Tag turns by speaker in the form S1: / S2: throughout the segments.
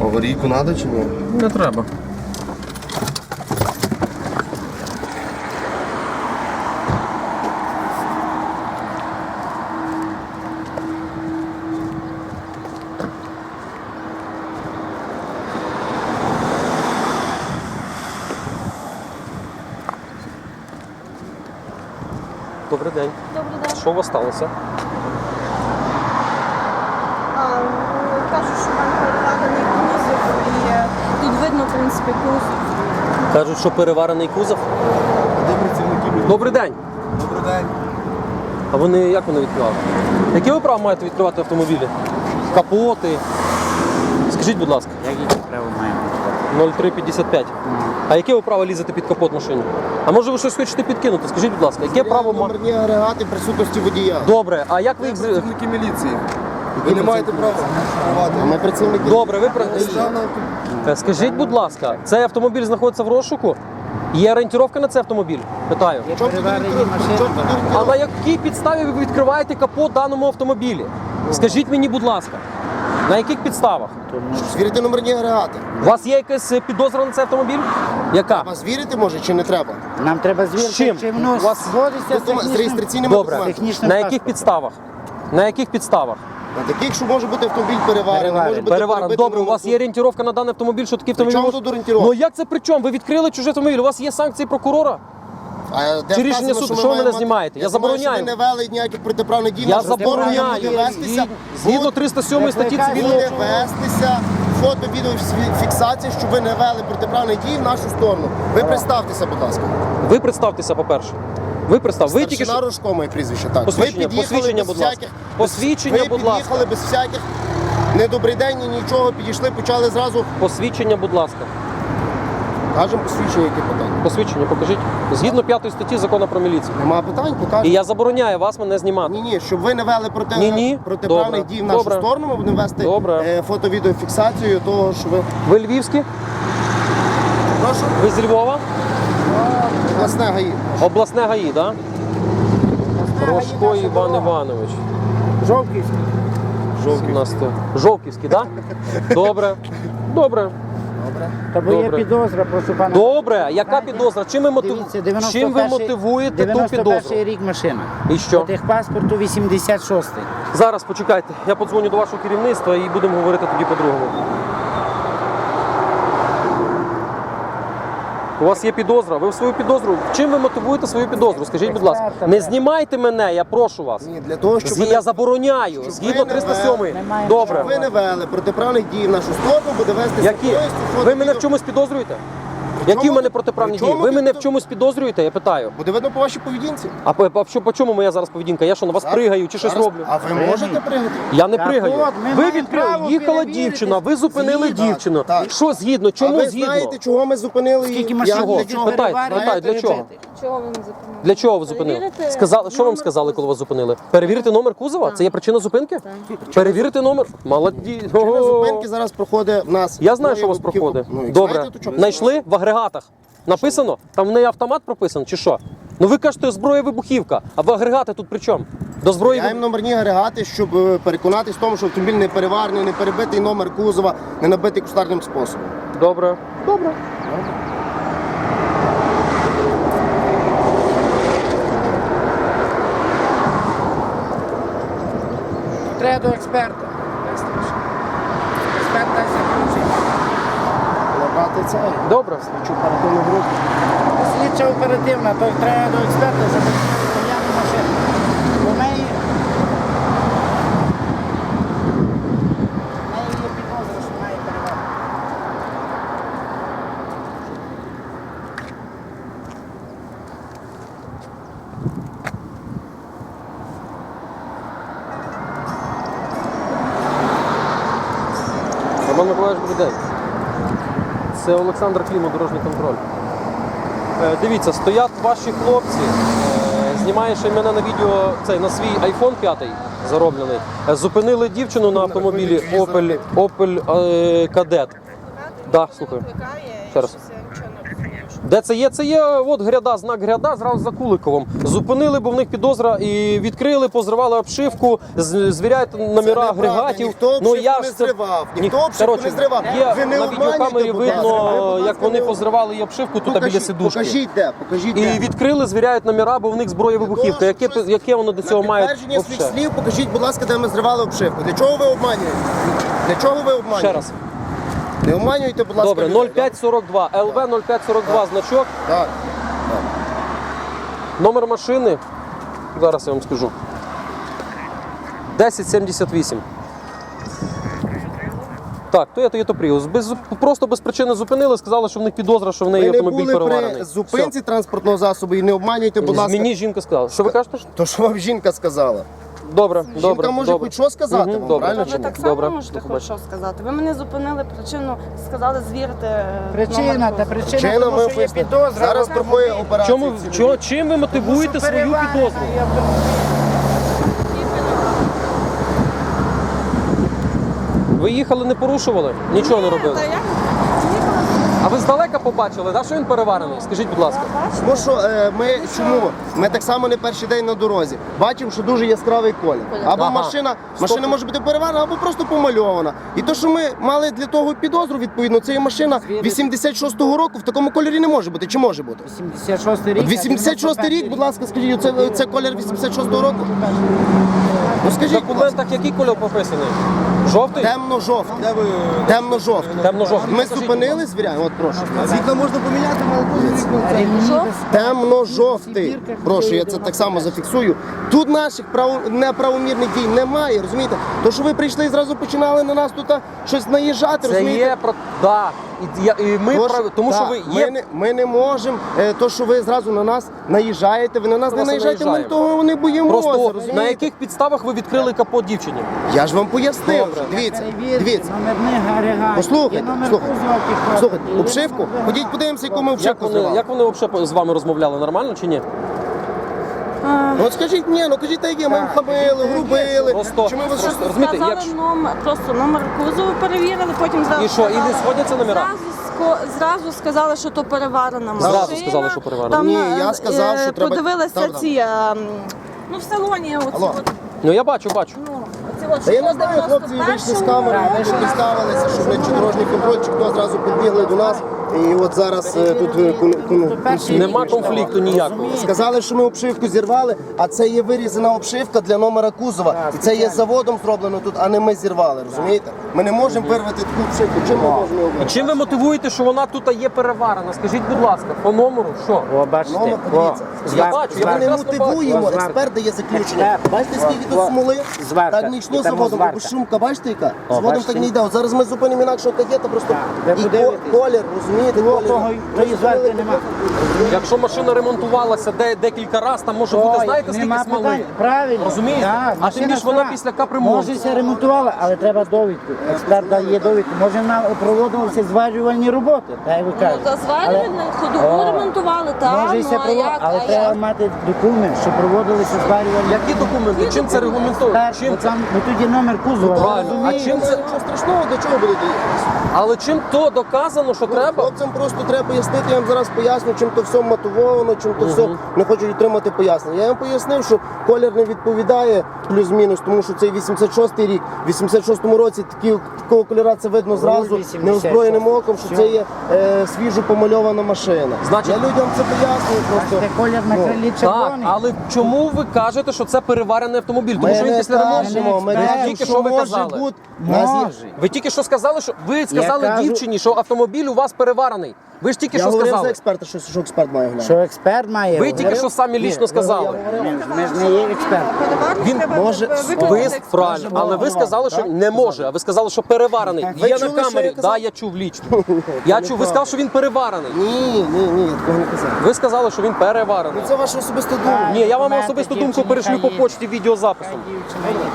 S1: Аварійку треба чи ні?
S2: Не треба. Добрий день.
S3: Добрий день.
S2: Що у вас сталося?
S3: Кажуть, що в мене перекладений кузов і тут видно, в принципі, кузов.
S2: Кажуть, що переварений кузов.
S1: Де працівники?
S2: Добрий день.
S1: Добрий день.
S2: А вони як вони відкривали? Які ви права маєте відкривати автомобілі? Капоти? Скажіть, будь ласка.
S4: Які право маємо?
S2: 0355. А яке ви право лізете під капот машини? А може ви щось хочете підкинути? Скажіть, будь ласка, яке право маєте?
S1: Номерні агрегати присутності водія.
S2: Добре, а як ви
S1: Ми
S2: їх...
S1: працівники міліції. Ви не маєте права відкривати. А ми працівники.
S2: Добре, ви...
S1: Державна...
S2: Скажіть, будь ласка, цей автомобіль знаходиться в розшуку? Є орієнтировка на цей автомобіль? Питаю.
S4: Є
S1: Чому
S4: переварені
S1: туди
S4: машини.
S1: Чому туди
S2: А на якій підставі ви відкриваєте капот даному автомобілі? Скажіть мені, будь ласка, на яких підставах?
S1: Звірити номерні агрегати.
S2: У вас є якась підозра на цей автомобіль? Яка?
S1: Вас вірити може чи не треба?
S4: Нам треба звірити,
S2: З чим?
S4: чи воно
S2: У вас
S4: сходиться
S1: З реєстраційними
S2: Добре.
S1: документами.
S4: технічним
S2: На яких
S4: паспортом.
S2: підставах? На яких підставах?
S1: На таких, що може бути автомобіль переварений, може бути
S2: Переварено.
S1: перебитий
S2: Добре, у вас є орієнтировка на даний автомобіль, що такий
S1: При
S2: автомобіль?
S1: чому
S2: може-
S1: тут орієнтировка?
S2: Ну як це при чому? Ви відкрили чужий автомобіль, у вас є санкції прокурора?
S1: А де
S2: Чи рішення
S1: вказано,
S2: суду?
S1: ми
S2: Що ви
S1: маємо
S2: мене
S1: мати?
S2: знімаєте? Я
S1: знаю,
S2: забороняю.
S1: що ви не вели ніяких протиправних дій.
S2: Я
S1: нашу сторону,
S2: забороняю.
S1: буде вестися,
S2: Згідно 307 статті цивільного.
S1: буде вестися фото-відеофіксація, що ви не вели протиправних дій в нашу сторону. Ви представтеся, будь ласка.
S2: Ви представтеся, по-перше. Ви представ. Ви тільки
S1: Старшина
S2: що...
S1: Рожко, моє прізвище, так.
S2: Посвідчення,
S1: ви під'їхали
S2: посвідчення,
S1: без
S2: будь ласка.
S1: всяких...
S2: Посвідчення,
S1: ви
S2: будь ласка.
S1: під'їхали без всяких недобрий день, ні нічого, підійшли, почали зразу.
S2: Посвідчення, будь ласка.
S1: Кажемо посвідчення, які питання.
S2: Посвідчення покажіть. Згідно 5 статті Закону про міліцію.
S1: Нема питань,
S2: І
S1: покажемо.
S2: я забороняю вас мене знімати.
S1: Ні, щоб ви не вели
S2: Ні-ні.
S1: протиправних
S2: Добре.
S1: дій в нашу
S2: Добре.
S1: сторону, ми будемо вести
S2: Добре.
S1: фото-відеофіксацію того, що ви...
S2: Ви львівські?
S1: Прошу?
S2: Ви з Львова?
S1: Власне ГАІ.
S2: Обласне ГАІ, так? Рожко Іван Іванович.
S4: Жовківський.
S2: Жовківський, так? Добре. Добре.
S4: Та бо є
S2: Добре.
S4: підозра, прошу пана.
S2: Добре. Яка підозра? Чим ви,
S4: Дивіться,
S2: Чим ви мотивуєте ту
S4: 91-й
S2: підозру?
S4: рік машина.
S2: І що?
S4: По техпаспорту 86-й.
S2: Зараз почекайте. Я подзвоню до вашого керівництва і будемо говорити тоді по-другому. У вас є підозра. Ви в свою підозру. Чим ви мотивуєте свою підозру? Скажіть, будь ласка. Не знімайте мене, я прошу вас.
S1: Ні, для того, щоб
S2: Я забороняю. Згідно
S1: ви не
S2: 307.
S4: Немає
S2: Добре.
S1: Щоб ви не вели протиправних дій в нашу сторону, буде вестися
S2: Які?
S1: поїзд,
S2: Ви мене в чомусь підозрюєте? Які в мене протиправні дії? Ви мене в чомусь підозрюєте? Я питаю.
S1: Буде видно по вашій поведінці.
S2: А по чому моя зараз поведінка? Я що, на вас пригаю чи щось
S1: Зараз-
S2: роблю?
S1: А ви можете пригати?
S2: Я не
S4: Так
S2: пригаю.
S4: от, ми
S2: Ви
S4: маємо
S2: відкрили,
S4: право
S2: їхала
S4: перевірити.
S2: дівчина, ви зупинили
S1: Згідно.
S2: дівчину.
S1: Так.
S2: Що згідно?
S1: А
S2: Чому
S1: ви
S2: згідно?
S1: знаєте, чого ми зупинили
S4: Скільки
S1: її?
S4: машин
S1: Як,
S2: Чого?
S1: для чого?
S2: Питайте, для чого?
S3: Чого ви не зупинили?
S2: Для чого ви зупинили?
S3: Перевірити
S2: Сказали, що вам
S3: номер
S2: сказали, коли
S3: кузова.
S2: вас зупинили? Перевірити номер кузова? Це є причина зупинки? Перевірити номер? Молоді.
S1: Причина
S2: Ого.
S1: зупинки зараз проходить в нас.
S2: Я знаю,
S1: Ну,
S2: що у вас
S1: і-
S2: проходить.
S1: Ну, як
S2: Добре.
S1: знаєте, то чого?
S2: Знайшли в агрегатах. Написано? Там в неї автомат прописаний чи що? Ну ви кажете, зброя вибухівка, а в агрегати тут при чому? До зброї
S1: Я їм номерні агрегати, щоб переконатись в тому, що автомобіль не переварений, не перебитий номер кузова, не набитий кустарним способом.
S2: Добре. Добре.
S4: Треба до експерта. Експерт дасть заключення.
S1: Набрати це.
S2: Добре.
S1: Слідчу оперативну групу.
S4: Слідча оперативна, то треба до експерта заключити п'яну машину. У неї є підозра, що має перевагу.
S2: Роман Миколаївич, добрий день. Це Олександр Клімов, дорожній контроль. Дивіться, стоять ваші хлопці, знімає ще мене на відео, на свій iPhone 5 зароблений. Зупинили дівчину на автомобілі Opel Kadett. Да, слухаю. Ще раз. Де це є? Це є от гряда, знак гряда, зразу за Куликовим. Зупинили, бо в них підозра, і відкрили, позривали обшивку, звіряють номера
S1: неправда,
S2: агрегатів.
S1: ніхто обшивку не зривав, ніхто обшивку не зривав.
S2: Є
S1: Ви не
S2: на відеокамері
S1: обманюйте, будь ласка. Ви,
S2: видно,
S1: будь
S2: як
S1: ласка,
S2: вони
S1: не-
S2: позривали і обшивку тут біля сидушки.
S1: Покажіть де, покажіть
S2: І
S1: де.
S2: відкрили, звіряють номера, бо в них зброя вибухівка. Яке воно до цього має?
S1: Підтвердження своїх
S2: вообще?
S1: слів, покажіть, будь ласка, де ми зривали обшивку. Для чого ви обманюєте? Для чого ви обманюєте?
S2: Ще раз.
S1: Не обманюйте, будь ласка.
S2: Добре,
S1: людей,
S2: 0542, ЛВ 0542 значок.
S1: Так.
S2: Номер машини, зараз я вам скажу. 1078. Так, то є Toyota Prius. Просто без причини зупинили, сказали, що в них підозра, що в неї
S1: Ви не
S2: автомобіль
S1: були
S2: переварений.
S1: при зупинці транспортного засобу і не обманюйте, будь ласка.
S2: Мені жінка сказала. Що ви кажете?
S1: То, що вам жінка сказала.
S2: Добре, добре.
S1: Жінка може
S2: добре.
S1: хоч що сказати
S2: Мгм,
S1: вам,
S2: добре.
S1: правильно
S3: Ви
S1: чи ні?
S3: так само
S2: Добре.
S3: можете хоч що сказати. Ви мене зупинили причину, сказали звірити
S4: Причина,
S3: номер
S4: та
S3: кузова.
S4: причина,
S1: Чина,
S4: тому
S1: ми
S4: що є
S1: пояснимо.
S4: підозра.
S1: Зараз проходить операція.
S2: Чому,
S1: цілої.
S2: чим ви мотивуєте свою підозру? Ви їхали, не порушували? Нічого не робили?
S3: Та я їхала,
S2: А ви здалека побачили, да, що він переварений? Скажіть, будь ласка.
S3: я бачила.
S1: Тому що ми чому? Ми так само не перший день на дорозі. Бачимо, що дуже яскравий колір. Або
S2: Ага.
S1: машина
S2: Стоп.
S1: може бути переварена, або просто помальована. І то, що ми мали для того підозру, відповідно, це є машина 86-го року, в такому кольорі не може бути. Чи може бути?
S4: 86 рік.
S1: 86 рік, будь ласка, скажіть, це колір 86-го року? Ну
S2: В
S1: скажіть, будь ласка.
S2: документах який кольор прописаний? Жовтий?
S1: Темно-жовтий. Темно-жовтий.
S2: Темно-жовтий.
S1: Ми зупинили, звіряємо, от прошу.
S5: Світло можна поміняти, але
S1: Темно-жовтий. Прошу, я це так само зафіксую. Тут наших неправомірних дій немає, розумієте? То, що ви прийшли і зразу починали на нас тут щось наїжджати,
S2: Це
S1: розумієте?
S2: є про... Да. І ми тому що
S1: так,
S2: ви є...
S1: ми не можемо, то, що ви зразу на нас наїжджаєте, ви на нас не
S2: Просто
S1: наїжджаєте, ми
S2: наїжджаємо.
S1: того не боїмося,
S2: Просто
S1: розумієте?
S2: на яких підставах ви відкрили капот дівчині?
S1: Я ж вам пояснив.
S2: Добре.
S1: Дивіться,
S4: Перевірте,
S1: дивіться.
S4: номерних агрегатів.
S1: Послухайте,
S4: Є номер
S1: слухайте.
S4: кузова підходить.
S1: Слухайте,
S4: І
S1: обшивку,
S4: ви-
S1: ходіть подивимося, яку ми
S2: Як
S1: обшивку
S2: вони,
S1: зривали.
S2: як вони взагалі з вами розмовляли? Нормально чи ні?
S1: Ну от скажіть, ні, ну кажіть, так як є, ми хамили, грубили.
S2: Просто-
S1: Чи ми вас
S2: просто- розумієте,
S3: Сказали
S2: якщо-
S3: просто номер кузову перевірили, потім зразу
S2: І що, і не
S3: сказали-
S2: сходяться номера?
S3: Зразу сказали, що то переварена машина.
S2: Зразу сказали, що переварена.
S3: Там,
S1: Ні, я сказав, що треба-
S3: подивилися
S1: там,
S3: ці, ну в салоні оці
S1: Алло.
S3: от,
S2: Ну я бачу.
S3: ну, оці от,
S1: Та я не
S3: що
S1: знаю, хлопці вийшли з камери, представилися, що вони чи дорожній контроль, чи хто зразу підбігли до нас. І от зараз тут
S2: Нема конфлікту ніякого.
S1: сказали, що ми обшивку зірвали, а це є вирізана обшивка для номера кузова. І це є заводом зроблено тут, а не ми зірвали, розумієте? Ми не можемо вирвати таку обшивку. Чим ми можемо її
S2: І чим ви мотивуєте, що вона тут є переварена? Скажіть, будь ласка, по номеру, що?
S4: О, бачите.
S1: Номер, подивіться.
S2: Я бачу, я
S1: Ми не
S2: прекрасно
S1: мотивуємо,
S4: бачу.
S1: експерт дає заключення. Бачите, скільки тут смоли?
S4: Зварка.
S1: Так не йшло
S4: І там
S1: заводом,
S4: зварка.
S1: бо шумка, бачите яка? Заводом
S4: бачите?
S1: так не йде. От зараз ми зупинимо інакшого кадета, просто
S4: ви
S1: і
S4: подивитесь.
S1: колір, розумієте, колір.
S4: Тої зварки нема.
S2: Якщо машина ремонтувалася декілька разів, там може бути, знаєте, скільки
S4: Нема
S2: смоли?
S4: питань. Правильно.
S2: Розумієте?
S4: Так,
S2: А тим більш вона
S4: стара.
S2: після капремонту.
S4: Може, ся ремонтувала, але треба довідку. Експерт дає довідку. Може, вона проводилися зварювальні роботи, так як ви
S3: Ну,
S4: кажете.
S3: та зварювальну ходову ремонтували, так,
S4: Може,
S3: ну
S4: ся
S3: а як?
S4: але
S3: А
S4: треба
S3: як?
S4: мати документ, що проводилися зварювальні
S2: Які документи? Чим це регламентує?
S4: експерт,
S2: Чим
S4: бо там, ну тоді номер кузова.
S2: Правильно. А
S4: розумієте?
S2: чим це?
S1: Нічого страшного, до чого буде доїхати?
S2: Але чим то доказано, що треба?
S1: Хлопцям просто треба пояснити, я вам зараз поясню, чим то все мотивовано, чим то все не хочуть отримати пояснення. Я вам пояснив, що колір не відповідає плюс-мінус, тому що цей 86-й рік. В 86-му році такого кольора це видно зразу,
S4: 86.
S1: неозброєним оком, що це є свіжо помальована машина.
S2: Значить-
S1: Я людям це пояснюю просто.
S4: Бачите, колір на крилі
S2: Так,
S4: червоний.
S2: але чому ви кажете, що це переварений автомобіль? Тому
S1: Ми
S2: що він
S1: не
S2: після ремонту.
S1: кажемо, ми
S4: експерт.
S1: кажемо,
S2: Тільки
S1: що
S2: що ви
S1: може
S2: казали.
S1: бути.
S4: Може.
S2: Ви тільки що сказали, що ви сказали
S4: кажу-
S2: дівчині, що автомобіль у вас переварений. Ви ж тільки
S1: Я
S2: що
S1: говорив за
S2: сказали.
S1: експерта, що експерт має глянути.
S4: Що експерт має.
S2: Ви тільки що самі лічно сказали.
S4: Ми ж не є експерт.
S3: Переварник
S2: Він
S3: треба
S1: може-
S3: виправити
S2: Ви
S3: експерт.
S2: правильно, але ви сказали, що не може. А ви сказали, що переварений.
S1: Ви
S2: Є на
S1: чули, що
S2: камері.
S1: я казав?
S2: Так, я чув лічно. Я чув. Ви сказали, що він переварений.
S1: Ні, я такого не казав.
S2: Ви сказали, що він переварений.
S1: Це ваша особиста думка.
S2: Ні, я вам
S4: Документи
S2: особисту
S4: дівчині
S2: думку перешлю по
S4: хай є.
S2: почті відеозаписом.
S4: Дівчина є.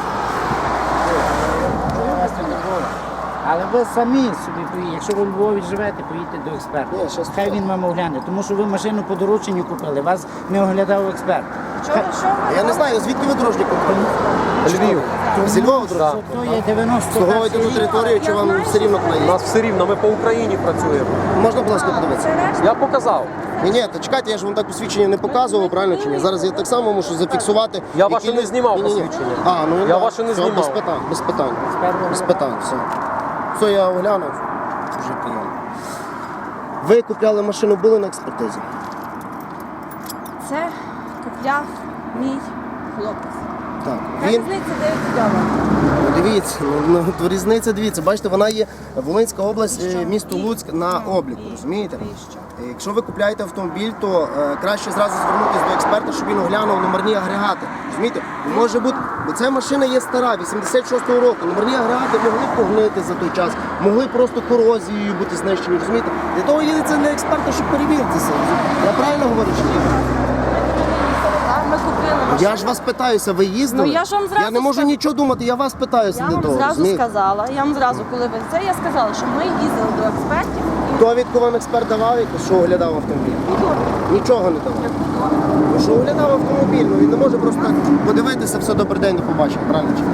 S4: Але ви самі собі поїдете. Якщо ви у Львові живете, поїдьте до експерта.
S1: Ні, щас
S4: Хай він вам огляне, тому що ви машину по дорученню купили, вас не оглядав експерт.
S3: Що?
S1: Я не знаю, звідки ви дорожній контроль?
S2: Львів.
S1: Зі Львова, друзі?
S2: Так.
S4: То є 90.
S1: Слуговуєте ту територію, чи вам все рівно
S2: У
S1: куди?
S2: нас все рівно, ми по Україні працюємо.
S1: Можна, будь ласка, подивитися?
S2: Я показав.
S1: Ні, та чекайте, я ж вам так посвідчення не показував, правильно чи ні? Зараз я так само мушу зафіксувати.
S2: Я
S1: які
S2: ваше не
S1: лю-
S2: знімав
S1: Ні-ні-ні.
S2: посвідчення.
S1: А, ну
S2: Я
S1: да,
S2: ваше не
S1: все,
S2: знімав.
S1: Без питань, без питань. Без питань, все. Все, я оглянув. Вже прийом. Ви купляли машину, були на експертизі?
S3: Це купляв мій хлопець.
S1: Так.
S3: Та
S1: Він,
S3: різниця 9 доларів.
S1: ну, дивіться, то різниця, дивіться, бачите, вона є Волинська область, місто Луцьк на обліку, розумієте? Якщо ви купляєте автомобіль, то краще зразу звернутися до експерта, щоб він оглянув номерні агрегати. Розумієте? Може бути, бо ця машина є стара, 86-го року. Номерні агрегати могли погнити за той час, могли просто корозією бути знищені, розумієте? Для того їдеться для експерта, щоб перевірити це. Я правильно говорю чи ні?
S3: Ми купили машину.
S1: Я ж вас питаюся, ви їздили?
S3: Ну, я ж вам зразу
S1: Я не можу
S3: сказала.
S1: нічого думати, я вас питаюся
S3: Я
S1: для
S3: вам
S1: того.
S3: зразу
S1: розумієте?
S3: сказала, коли ви це, я сказала, що ми їздили до експертів і
S1: Довідку вам експерт давав, якось, що оглядав автомобіль? Нічого не давав. Ну, що оглядав автомобіль, ну він не може просто так подивитися, все, добрий день, до побачення, правильно чи ні?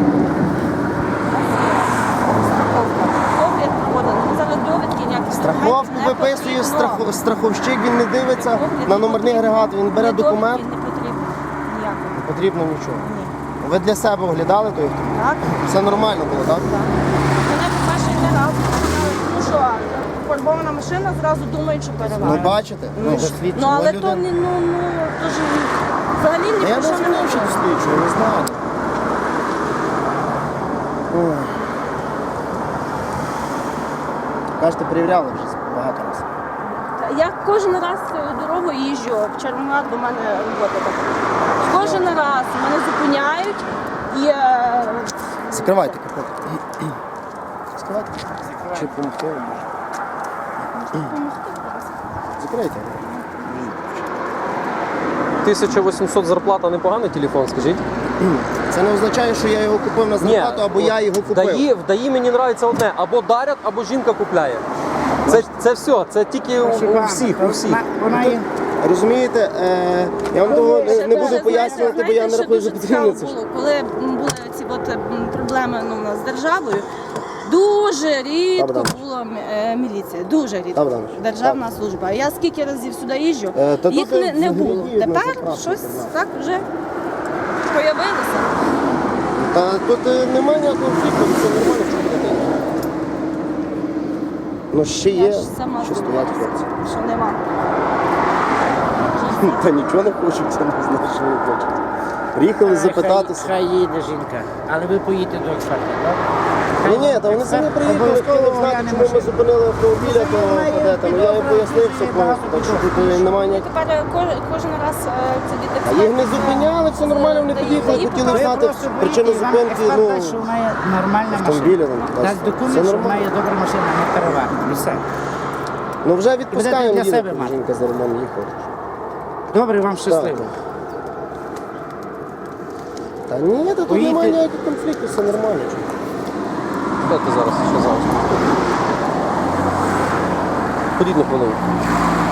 S3: страховка. Огляд проводили. Ми зараз довідки ніякі
S1: Страховку
S3: не
S1: виписує
S3: потрібно.
S1: страховщик, він не дивиться
S3: Огляд
S1: на
S3: не
S1: номерний
S3: потрібно.
S1: агрегат, він бере
S3: Ні довідки
S1: документ,
S3: Не потрібно ніякого.
S1: не потрібно нічого.
S3: Ні.
S1: Ви для себе оглядали той автомобіль?
S3: Так?
S1: Все нормально було, так?
S3: Так. Мене по-перше не раз сказали, ну що, фарбована машина, зразу думають, що
S1: Ну
S3: перевага.
S1: бачите?
S3: Ну, але то не, то ж взагалі ні
S1: Я
S3: про
S1: не
S3: що не
S1: знаю, що
S3: можу.
S1: досліджую, не знаю. Ой. Кажете, перевіряли вже багато разів.
S3: Я кожен раз цією дорогою їжджу, в Червоноград до мене робота така. Кожен раз мене зупиняють і
S1: Закривайте капот. Закривайте. Чи допомогти вам може? Закрийте.
S2: 1800 зарплата непоганий телефон, скажіть?
S1: Це не означає, що я його купив на зарплату, або я його купив.
S2: В ДАІ мені подобається одне, або дарять, або жінка купляє. Це все, це тільки у всіх.
S4: Вона є.
S1: Розумієте, я вам того не буду
S3: Дуже,
S1: пояснювати, бо я не
S3: знаєте,
S1: рахую
S3: що
S1: за
S3: дуже
S1: потрібне
S3: цікаво
S1: це.
S3: було, коли були ці проблеми у нас з державою, дуже рідко
S1: Богданович.
S3: була міліція, дуже рідко.
S1: Богданович,
S3: Державна служба. Я скільки разів сюди їжджу,
S1: та
S3: їх
S1: тут
S3: не
S1: взагалі
S3: було.
S1: є одна
S3: Тепер
S1: заправка,
S3: щось
S1: да.
S3: так вже появилося.
S1: Та тут немає ніякого конфлікту, все нормально, що буде. Ну ще
S3: Я
S1: є,
S3: ж сама
S1: що
S3: знаю,
S1: стоять хлопці.
S3: що нема.
S1: Та нічого не хочуть, це не знаю, що вони хочуть. Приїхали запитатися.
S4: Хай їде жінка, але ви поїдете до експерта, так?
S1: Ні, та вони самі приїхали, хотіли б знати, чому ми зупинили автомобіля, то де там. Я їм пояснив все повністю, так що тут немає ніяких.
S3: Тепер кожен раз це від
S1: А їх не зупиняли, все нормально, вони під'їхали, хотіли знати причину зупинки, ну,
S4: що вона є нормальна
S1: автомобіля
S4: машина.
S1: там.
S4: Дасть
S1: Все
S4: документ, що вона
S1: нормально.
S4: є добра машина, не переварена. І все.
S1: Ну вже відпускаємо
S4: для
S1: їде,
S4: себе мати.
S1: жінка за ремонт їхала.
S4: Добре, вам щасливо.
S1: Та ні, та тут
S4: Поїдьте.
S1: немає ніяких конфліктів, все нормально.
S2: Де ти зараз ще зараз? Ходіть на хвилину.